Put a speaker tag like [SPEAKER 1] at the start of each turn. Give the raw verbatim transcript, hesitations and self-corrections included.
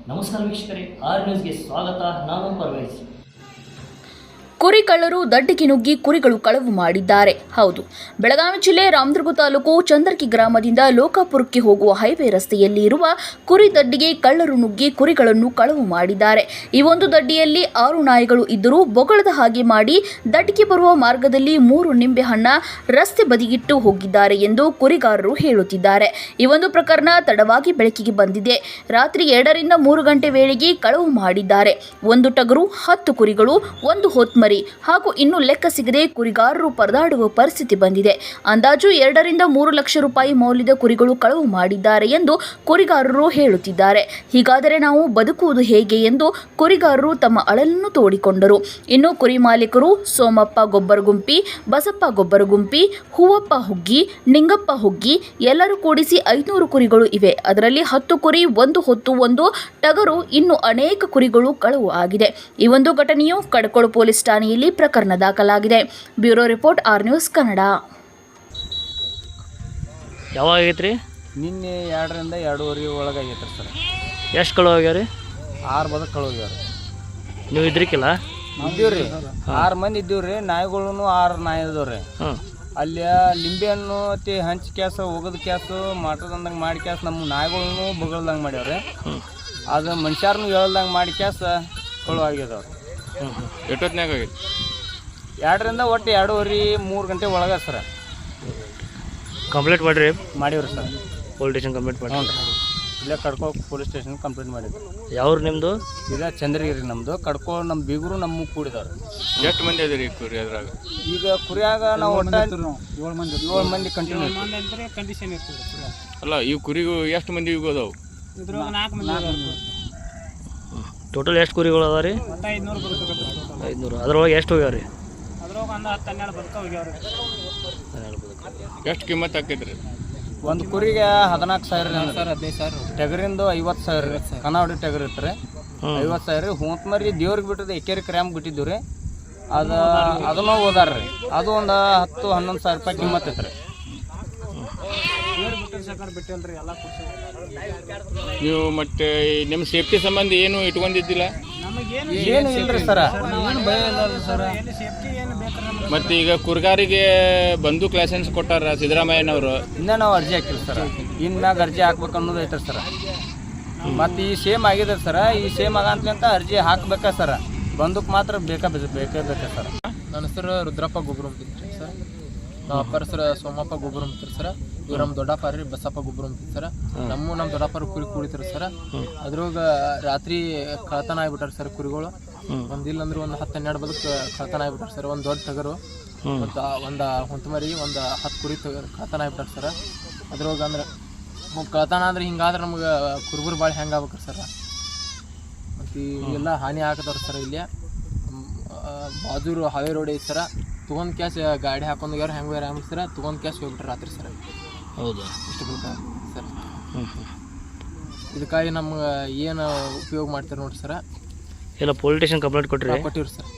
[SPEAKER 1] ನಮಸ್ಕಾರ ವೀಕ್ಷಕರೇ, ಆರ್ ನ್ಯೂಸ್ಗೆ ಸ್ವಾಗತ. ನಾನು ಪರ್ವೇಜ್.
[SPEAKER 2] ಕುರಿ ಕಳ್ಳರು ದಡ್ಡಿಗೆ ನುಗ್ಗಿ ಕುರಿಗಳು ಕಳವು ಮಾಡಿದ್ದಾರೆ. ಹೌದು, ಬೆಳಗಾವಿ ಜಿಲ್ಲೆ ರಾಮದುರ್ಗ ತಾಲೂಕು ಚಂದರ್ಕಿ ಗ್ರಾಮದಿಂದ ಲೋಕಾಪುರಕ್ಕೆ ಹೋಗುವ ಹೈವೇ ರಸ್ತೆಯಲ್ಲಿ ಇರುವ ಕುರಿ ದಡ್ಡಿಗೆ ಕಳ್ಳರು ನುಗ್ಗಿ ಕುರಿಗಳನ್ನು ಕಳವು ಮಾಡಿದ್ದಾರೆ. ಈ ಒಂದು ದಡ್ಡಿಯಲ್ಲಿ ಆರು ನಾಯಿಗಳು ಇದ್ದರೂ ಬೊಗಳದ ಹಾಗೆ ಮಾಡಿ ದಡ್ಡಿಗೆ ಬರುವ ಮಾರ್ಗದಲ್ಲಿ ಮೂರು ನಿಂಬೆ ಹಣ್ಣ ರಸ್ತೆ ಬದಿಗಿಟ್ಟು ಹೋಗಿದ್ದಾರೆ ಎಂದು ಕುರಿಗಾರರು ಹೇಳುತ್ತಿದ್ದಾರೆ. ಈ ಒಂದು ಪ್ರಕರಣ ತಡವಾಗಿ ಬೆಳಕಿಗೆ ಬಂದಿದೆ. ರಾತ್ರಿ ಎರಡರಿಂದ ಮೂರು ಗಂಟೆ ವೇಳೆಗೆ ಕಳವು ಮಾಡಿದ್ದಾರೆ. ಒಂದು ಟಗರು, ಹತ್ತು ಕುರಿಗಳು, ಒಂದು ಹೊತ್ಮರಿ ಹಾಗೂ ಇನ್ನು ಲೆಕ್ಕ ಸಿಗದೆ ಕುರಿಗಾರರು ಪರದಾಡುವ ಪರಿಸ್ಥಿತಿ ಬಂದಿದೆ. ಅಂದಾಜು ಎರಡರಿಂದ ಮೂರು ಲಕ್ಷ ರೂಪಾಯಿ ಮೌಲ್ಯದ ಕುರಿಗಳು ಕಳವು ಮಾಡಿದ್ದಾರೆ ಎಂದು ಕುರಿಗಾರರು ಹೇಳುತ್ತಿದ್ದಾರೆ. ಹೀಗಾದರೆ ನಾವು ಬದುಕುವುದು ಹೇಗೆ ಎಂದು ಕುರಿಗಾರರು ತಮ್ಮ ಅಳಲನ್ನು ತೋಡಿಕೊಂಡರು. ಇನ್ನು ಕುರಿ ಮಾಲೀಕರು ಸೋಮಪ್ಪ ಗೊಬ್ಬರಗುಂಪಿ, ಬಸಪ್ಪ ಗೊಬ್ಬರಗುಂಪಿ, ಹೂವಪ್ಪ ಹುಗ್ಗಿ, ನಿಂಗಪ್ಪ ಹುಗ್ಗಿ ಎಲ್ಲರೂ ಕೂಡಿಸಿ ಐನೂರು ಕುರಿಗಳು ಇವೆ. ಅದರಲ್ಲಿ ಹತ್ತು ಕುರಿ, ಒಂದು ಹೊತ್ತು, ಒಂದು ಟಗರು, ಇನ್ನು ಅನೇಕ ಕುರಿಗಳು ಕಳವು ಆಗಿದೆ. ಈ ಒಂದು ಘಟನೆಯು ಕಡಕೋಳ ಪೊಲೀಸ್ ಠಾಣೆಯಲ್ಲಿ ಪ್ರಕರಣ ದಾಖಲಾಗಿದೆ. Bureau report, R news Kannada.
[SPEAKER 1] ಯಾವಾಗ ಆಗೈತ್ರಿ?
[SPEAKER 3] ನಿನ್ನೆ ಎರಡರಿಂದ ಎರಡೂವರೆ ಒಳಗೆ ಆಗೈತ್ರಿ ಸರ್.
[SPEAKER 1] ಎಷ್ಟು ಕಳು ಆಗ್ಯಾವ್ರಿ?
[SPEAKER 3] ಆರು ಬದಕ್ಕೆ ಕಳು ಹೋಗ್ಯಾವ್ರಿ.
[SPEAKER 1] ನೀವು ಇದ್ರಿಕಿಲ್ಲ?
[SPEAKER 3] ಇದ್ದೀವ್ರಿ, ಆರು ಮಂದಿ ಇದ್ದೀವ್ರಿ. ನಾಯಿಗಳು ಆರು ನಾಯಿ ಇದಾವ್ರಿ. ಅಲ್ಲಿ ಲಿಂಬೆ ಹಣ್ಣು ತಿ ಹಂಚಿ ಕ್ಯಾಸ, ಒಗದ ಕ್ಯಾಸು, ಮಾಟದಂದಂಗೆ ಮಾಡಿ ಕ್ಯಾಸ್ ನಮ್ಮ ನಾಯಿಗಳನ್ನು ಬಗಳ್ದಂಗೆ ಮಾಡ್ಯಾವ್ರಿ. ಅದು ಮನುಷ್ಯರನ್ನು ಹೇಳ್ದಂಗೆ ಮಾಡಿ ಕ್ಯಾಸ ಕಳು ಆಗ್ಯದವ್ರಿ.
[SPEAKER 4] ಎಷ್ಟೊತ್ತಿನಾಗ ಆಗೈತಿ?
[SPEAKER 3] ಎರಡರಿಂದ ಒಟ್ಟು ಎರಡೂವರೆ ಮೂರು ಗಂಟೆ ಒಳಗೆ ಸರ್.
[SPEAKER 1] ಕಂಪ್ಲೇಂಟ್ ಮಾಡಿರಿ?
[SPEAKER 3] ಮಾಡಿವ್ರಿ ಸರ್.
[SPEAKER 1] ಪೊಲೀಸ್ ಸ್ಟೇಷನ್ ಕಂಪ್ಲೇಂಟ್ ಮಾಡಿ?
[SPEAKER 3] ಹ್ಞೂ ರೀ, ಇಲ್ಲೇ ಕಡ್ಕೋ ಪೊಲೀಸ್ ಸ್ಟೇಷನ್ ಕಂಪ್ಲೇಂಟ್ ಮಾಡಿದ್ವಿ.
[SPEAKER 1] ಯಾವ್ರು ನಿಮ್ಮದು?
[SPEAKER 3] ಈಗ ಚಂದ್ರಗಿರಿ ನಮ್ಮದು. ಕಡ್ಕೋ ನಮ್ಮ ಬೀಗರು ನಮ್ಮ ಕೂಡಿದವ್ರು.
[SPEAKER 4] ಎಷ್ಟು ಮಂದಿ ಅದೀರಿ ಕುರಿ ಅದ್ರಾಗ?
[SPEAKER 3] ಈಗ ಕುರಿಯಾಗ ನಾವು ಒಟ್ಟು ಏಳು ಮಂದಿ ಏಳು ಮಂದಿ ಕಂಟಿನ್ಯೂ ಕಂಡೀಷನ್ ಇರ್ತದೆ.
[SPEAKER 4] ಅಲ್ಲ, ಈ ಕುರಿಗೂ ಎಷ್ಟು ಮಂದಿ ಇಗೋದವು?
[SPEAKER 1] ಟೋಟಲ್ ಎಷ್ಟು ಕುರಿಗಳು ಅದಾವ ರೀ? ಐದುನೂರು. ಅದ್ರೊಳಗೆ ಎಷ್ಟು ಹೋಗ್ಯಾವ್ರಿ?
[SPEAKER 4] ಎಷ್ಟು ಕಿಮ್ಮತ್ ಆಕೈತ್ರಿ?
[SPEAKER 3] ಒಂದು ಕುರಿಗೆ ಹದಿನಾಲ್ಕು ಸಾವಿರ ಸರ್. ಹದಿನೈದು ಸಾವಿರ. ಟಗರಿಂದು ಐವತ್ತು ಸಾವಿರ. ಕನಾವಡಿ ಟಗರ್ ಇರ್ತಾರೆ ಐವತ್ತು ಸಾವಿರ. ಹುಂತ್ಮರಿ ದೇವ್ರಿಗೆ ಬಿಟ್ಟಿದ್ದು ಎಕರೆ ಕ್ರ್ಯಾಂಪ್ ಬಿಟ್ಟಿದ್ದು ರೀ. ಅದು ಅದನ್ನು ಓದಾರ ರೀ. ಅದು ಒಂದು ಹತ್ತು ಹನ್ನೊಂದು ಸಾವಿರ ರೂಪಾಯಿ ಕಿಮ್ಮತ್ ಐತ್ರಿ.
[SPEAKER 4] ನೀವು ಮತ್ತೆ ನಿಮ್ಮ ಸೇಫ್ಟಿ ಸಂಬಂಧ ಏನು ಇಟ್ಕೊಂಡಿದ್ದಿಲ್ಲ?
[SPEAKER 3] ಏನು ಇಲ್ರಿ ಸರ, ಏನು ಭಯ ಇಲ್ಲ ಸರ.
[SPEAKER 4] ಮತ್ತೆ ಈಗ ಕುರ್ಗಾರಿಗೆ ಬಂದೂಕ್ ಲೈಸೆನ್ಸ್ ಕೊಟ್ಟಾರ ಸಿದ್ದರಾಮಯ್ಯನವರು.
[SPEAKER 3] ಇನ್ನ ನಾವು ಅರ್ಜಿ ಹಾಕಿಲ್ಲ ಸರ್. ಇನ್ನಾಗ ಅರ್ಜಿ ಹಾಕ್ಬೇಕು ಅನ್ನೋದು ಐತ್ರಿ ಸರ. ಮತ್ತು ಈ ಸೇಮ್ ಆಗಿದೆ ಸರ. ಈ ಸೇಮ್ ಆಗಂತ ಅರ್ಜಿ ಹಾಕ್ಬೇಕಾ ಸರ. ಬಂದೂಕ್ ಮಾತ್ರ ಬೇಕಾ ಬೇಕೇ ಬೇಕಾ ಸರ್.
[SPEAKER 5] ನನ್ನ ಹೆಸರು ರುದ್ರಪ್ಪ ಗೊಬ್ಬರಂತಿದ್ರಿ ಸರ್. ನಮ್ಮ ಅಪ್ಪರ ಹೆಸರು ಸೋಮಪ್ಪ ಗೊಬ್ಬರಂತಿರಿ ಸರ್. ಇವ್ರು ನಮ್ಮ ದೊಡ್ಡಪ್ಪ ರೀ ಬಸಪ್ಪ ಗೊಬ್ಬರಂತಿರಿ ಸರ್. ನಮ್ಮ ನಮ್ಮ ದೊಡ್ಡಪ್ಪರ ಕುರಿ ಕುಡಿತಾರೆ ಸರ್. ಅದ್ರಾಗ ರಾತ್ರಿ ಕಳತನ ಆಗ್ಬಿಟ್ಟಾರ ಸರ್ ಕುರಿಗಳು. ಒಂದಿಲ್ಲ ಅಂದ್ರೆ ಒಂದು ಹತ್ತು ಹನ್ನೆರಡು ಬದಕ್ಕೆ ಕಳತನ ಆಗ್ಬಿಟ್ಟಾರ ಸರ್. ಒಂದು ದೊಡ್ಡ ಟಗರು ಮತ್ತು ಒಂದು ಹೊಂತಮರಿ ಒಂದು ಹತ್ತು ಕುರಿ ಕಳತನ ಆಗ್ಬಿಟ್ಟಾರ ಸರ್. ಅದ್ರಾಗ ಅಂದ್ರೆ ಕಳತನ ಅಂದ್ರೆ ಹಿಂಗಾದ್ರೆ ನಮ್ಗೆ ಕುರುಬರು ಭಾಳ ಹೆಂಗೆ ಆಗ್ಬೇಕ್ರಿ ಸರ್. ಮತ್ತು ಎಲ್ಲ ಹಾನಿ ಹಾಕದವ್ರು ಸರ್. ಇಲ್ಲಿ ಬಾಜೂರು ಹಾವೇ ರೋಡ್ ಐತಿ ಸರ. ತೊಗೊಂಡು ಕ್ಯಾಶ್ ಗಾಡಿ ಹಾಕೊಂಡು ಯಾರು ಹೆಂಗೆ ಯಾರು ಹೆಂಗೆ ಸರ ತೊಗೊಂಡು ಕ್ಯಾಶ್ ಹೋಗ್ಬಿಟ್ರೆ ರಾತ್ರಿ ಸರ್.
[SPEAKER 1] ಹೌದಾ?
[SPEAKER 5] ಇಷ್ಟು ಬೇಕಾ ಸರ್. ಇದಕ್ಕಾಗಿ ನಮ್ಗೆ ಏನು ಉಪಯೋಗ ಮಾಡ್ತಾರೆ ನೋಡ್ರಿ ಸರ್.
[SPEAKER 1] ಎಲ್ಲ ಪೊಲೀಸ್ ಸ್ಟೇಷನ್ ಕಂಪ್ಲೇಂಟ್ ಕೊಟ್ಟಿರಿ?
[SPEAKER 5] ಕೊಟ್ಟಿವ್ರಿ ಸರ್.